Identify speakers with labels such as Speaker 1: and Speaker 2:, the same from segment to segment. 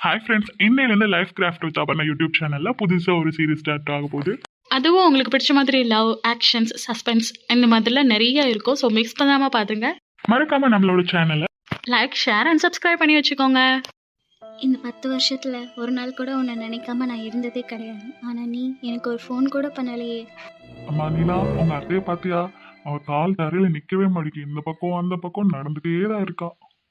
Speaker 1: Hi friends, இன்னையிலேருந்து life craft with Aparna YouTube சேனலில் புதுசாக ஒரு சீரிஸ் ஸ்டார்ட் ஆக போகுது.
Speaker 2: அதுவும் உங்களுக்கு பிடிச்ச மாதிரி லவ், ஆக்ஷன்ஸ், சஸ்பென்ஸ் இந்த மாதிரிலாம் நிறைய இருக்கும். ஸோ மிக்ஸ் பண்ணாமல் பார்த்துங்க.
Speaker 1: மறக்காம நம்மளோட சேனலை
Speaker 2: லைக், ஷேர் அண்ட் சப்ஸ்கிரைப் பண்ணி வச்சுக்கோங்க.
Speaker 3: இந்த 10 வருஷத்தில் ஒரு நாள் கூட உன்னை நினைக்காம நான் இருந்ததே கிடையாது. ஆனால் நீ எனக்கு ஒரு ஃபோன் கூட பண்ணலையே.
Speaker 1: அம்மா நீலா, உங்க அத்தையை பார்த்தியா? அவள் கால் தரையில் நிற்கவே மாட்டேங்குது. இந்த பக்கம் அந்த பக்கம் நடந்துகிட்டே தான் இருக்கா.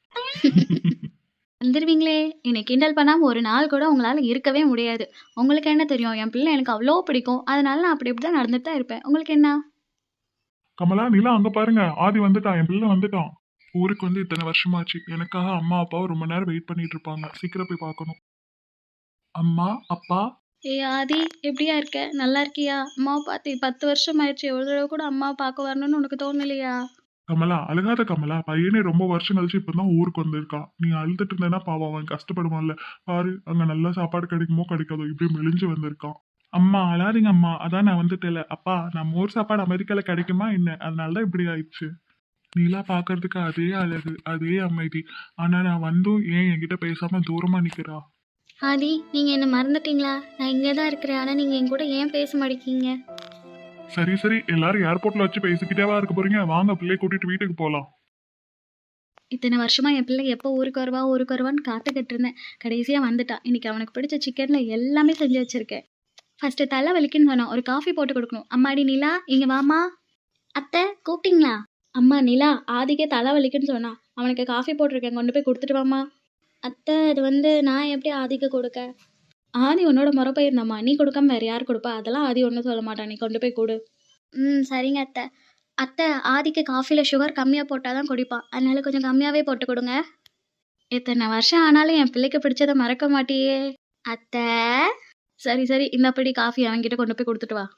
Speaker 3: வந்துடுவீங்களே, என்னை கிண்டல் பண்ணாமல் ஒரு நாள் கூட உங்களால் இருக்கவே முடியாது. உங்களுக்கு என்ன தெரியும், என் பிள்ளை எனக்கு அவ்வளோ பிடிக்கும். அதனால நான் அப்படி இப்படி தான் நடந்துட்டு தான் இருப்பேன். உங்களுக்கு என்ன?
Speaker 1: கமலா, நீலா அங்கே பாருங்க, ஆதி வந்துட்டான், என் பிள்ளை வந்துட்டான். ஊருக்கு வந்து இத்தனை வருஷமாச்சு. எனக்காக அம்மா அப்பாவும் ரொம்ப நேரம் வெயிட் பண்ணிட்டு இருப்பாங்க. சீக்கிரம் போய் பார்க்கணும். அம்மா அப்பா.
Speaker 3: ஆதி, எப்படியா இருக்க? நல்லா இருக்கியா? அம்மாவை பார்த்து 10 வருஷம் ஆயிடுச்சு. எவ்வளோ தடவை கூட அம்மாவை பார்க்க வரணும்னு உனக்கு தோணலையா?
Speaker 1: கமலா அழுகாத கமலா, பையனே ரொம்ப வருஷம் கழிச்சு இப்பதான் ஊருக்கு வந்திருக்கான். நீ அழுதுட்டு இருந்தேன்னா பாவம், அவன் கஷ்டப்படுவான்ல. பாரு, அங்க நல்ல சாப்பாடு கிடைக்குமோ கிடைக்காதோ இப்படி மெலிஞ்சு வந்திருக்கான். அம்மா அழாதீங்க அம்மா, அதான் நான் வந்துட்டேல. அப்பா, நம்ம ஊர் சாப்பாடு அமெரிக்கால கிடைக்குமா என்ன? அதனாலதான் இப்படி ஆயிடுச்சு. நீலா பாக்குறதுக்கு அதே அழகு, அதே அமைதி. ஆனா நான் வந்தும் ஏன் என்கிட்ட பேசாம தூரமா நிக்கிறா?
Speaker 3: ஆதி, நீங்கள் என்னை மறந்துட்டீங்களா? நான் இங்கே தான் இருக்கிறேன். ஆனால் நீங்கள் என் கூட ஏன் பேச மாட்டேங்க?
Speaker 1: சரி சரி, எல்லாரும் ஏர்போர்ட்ல வச்சு பேசிக்கிட்டேவா இருக்க போறீங்க? வாங்க, பிள்ளைய கூட்டிட்டு வீட்டுக்கு போலாம்.
Speaker 3: இத்தனை வருஷமாக என் பிள்ளை எப்போ ஊருக்கு வருவான்னு காத்துக்கிட்டு இருந்தேன். கடைசியாக வந்துட்டான். இன்னைக்கு அவனுக்கு பிடிச்ச சிக்கனில் எல்லாமே செஞ்சு வச்சுருக்கேன். ஃபஸ்ட்டு தலை வலிக்குன்னு சொன்னான். ஒரு காஃபி போட்டு கொடுக்கணும். அம்மாடி நிலா, இங்கே வாமா. அத்தை கூப்பிட்டீங்களா? அம்மா நிலா, ஆதிக்கே தலை வலிக்குன்னு சொன்னான். அவனுக்கு காஃபி போட்டிருக்கேன், கொண்டு போய் கொடுத்துட்டு வாமா. அத்தை, இது நான் எப்படி ஆதிக்கு கொடுக்க? ஆதி உன்னோட முறை போயிருந்தாம்மா, நீ கொடுக்காம வேறு யார் கொடுப்பா? அதெல்லாம் ஆதி ஒன்றும் சொல்ல மாட்டான், நீ கொண்டு போய் கொடு. சரிங்க அத்தை. அத்தை, ஆதிக்கு காஃபியில் சுகர் கம்மியாக போட்டால் தான் குடிப்பான். அதனால கொஞ்சம் கம்மியாகவே போட்டு கொடுங்க. இத்தனை வருஷம் ஆனாலும் என் பிள்ளைக்கு பிடிச்சதை மறக்க மாட்டியே அத்தை. சரி சரி, இந்தப்படி காஃபி அவன்கிட்ட கொண்டு போய் கொடுத்துட்டு வா.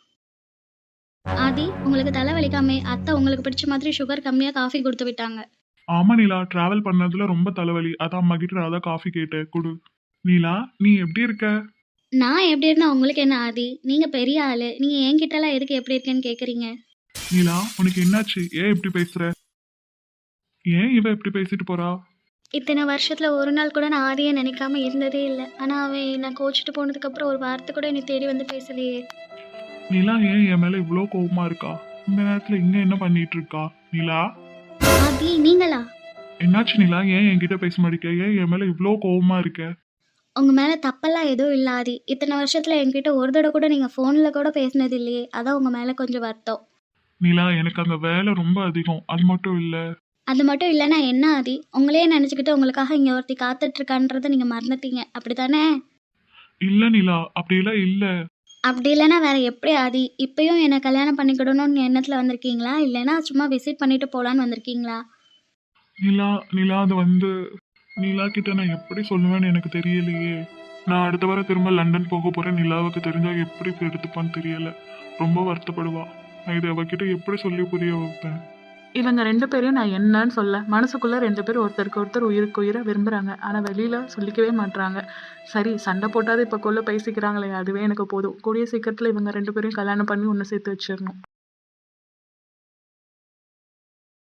Speaker 3: ஆதி, உங்களுக்கு தலை வலிக்காமே அத்தை உங்களுக்கு பிடிச்ச மாதிரி சுகர் கம்மியாக காஃபி கொடுத்து விட்டாங்க.
Speaker 1: ஆமா நீலா, டிராவல் பண்ணதுல ரொம்ப தலைவலி. அதான் அம்மா கிட்ட நான் தான் காஃபி கேட்டேன், குடு. நீலா, நீ எப்படி இருக்க?
Speaker 3: நான் எப்படி இருந்தா உங்களுக்கு என்ன ஆதி? நீங்கள் பெரிய ஆள், நீங்கள் என்கிட்டலாம் எதுக்கு எப்படி இருக்கேன்னு கேட்குறீங்க?
Speaker 1: நீலா, உனக்கு என்னாச்சு? ஏன் இப்படி பேசுற? ஏன் இவ இப்படி பேசிட்டு போறா?
Speaker 3: இத்தனை வருஷத்தில் ஒரு நாள் கூட நான் ஆதியை நினைக்காம இருந்ததே இல்லை. ஆனால் அவன் நான் கோச்சிட்டு போனதுக்கப்புறம் ஒரு வார்த்தை கூட என்னை தேடி வந்து பேசலையே.
Speaker 1: நீலா, ஏன் என் மேல இவ்வளோ கோவமா இருக்கா? இந்த நேரத்துல இங்க என்ன பண்ணிட்டு இருக்கா? நீலா,
Speaker 3: ஆதி நீங்களா?
Speaker 1: என்னாச்சு நீலா? ஏன் என்கிட்ட பேச மாட்டேங்க? ஏன் என் மேல இவ்வளோ கோவமா இருக்க?
Speaker 3: உங்கள் மேலே தப்பெல்லாம் எதுவும் இல்லை ஆதி. இத்தனை வருஷத்தில் என்கிட்ட ஒரு தடவை கூட நீங்கள் ஃபோனில் கூட பேசினது இல்லையே. அதான் உங்கள் மேலே கொஞ்சம் வருத்தம்.
Speaker 1: நீலா, எனக்கு அங்க வேலை ரொம்ப அதிகம். அது மட்டும் இல்ல.
Speaker 3: அது மட்டும் இல்லைன்னா என்ன ஆதி? உங்களையே நினச்சிக்கிட்டு உங்களுக்காக இங்கே ஒருத்தி காத்துட்ருக்கான்றதை நீங்கள் மறந்துட்டீங்க, அப்படி தானே?
Speaker 1: இல்ல நீலா, அப்படியெல்லாம் இல்ல.
Speaker 3: அப்படி இல்லைன்னா வேற எப்படி ஆதி? இப்பயும் என்னை கல்யாணம் பண்ணிக்கிடணும்னு எண்ணத்தில் வந்திருக்கீங்களா, இல்லைன்னா சும்மா விசிட் பண்ணிட்டு போகலான்னு வந்திருக்கீங்களா?
Speaker 1: நீலா நீலா, அது வந்து நீலா கிட்ட நான் எப்படி சொல்லுவேன்னு எனக்கு தெரியலையே. நான் அடுத்த வாரம் திரும்ப லண்டன் போக போறேன். நிலாவுக்கு தெரிஞ்சா எப்படி எடுத்துப்பான்னு தெரியல. ரொம்ப வருத்தப்படுவா. நான் இதை அவகிட்ட எப்படி சொல்லி புரிய வைப்பேன்?
Speaker 2: இவங்க 2 பேரையும் நான் என்னன்னு சொல்ல. மனசுக்குள்ளே 2 பேரும் ஒருத்தருக்கு ஒருத்தர் உயிருக்கு உயிராக விரும்புகிறாங்க. ஆனால் வெளியில் சொல்லிக்கவே மாட்டுறாங்க. சரி, சண்டை போட்டாது இப்போ பேசிக்கிறாங்களே, அதுவே எனக்கு போதும். கூடிய சீக்கிரத்தில் இவங்க 2 பேரையும் கல்யாணம் பண்ணி ஒன்று சேர்த்து வச்சிடணும்.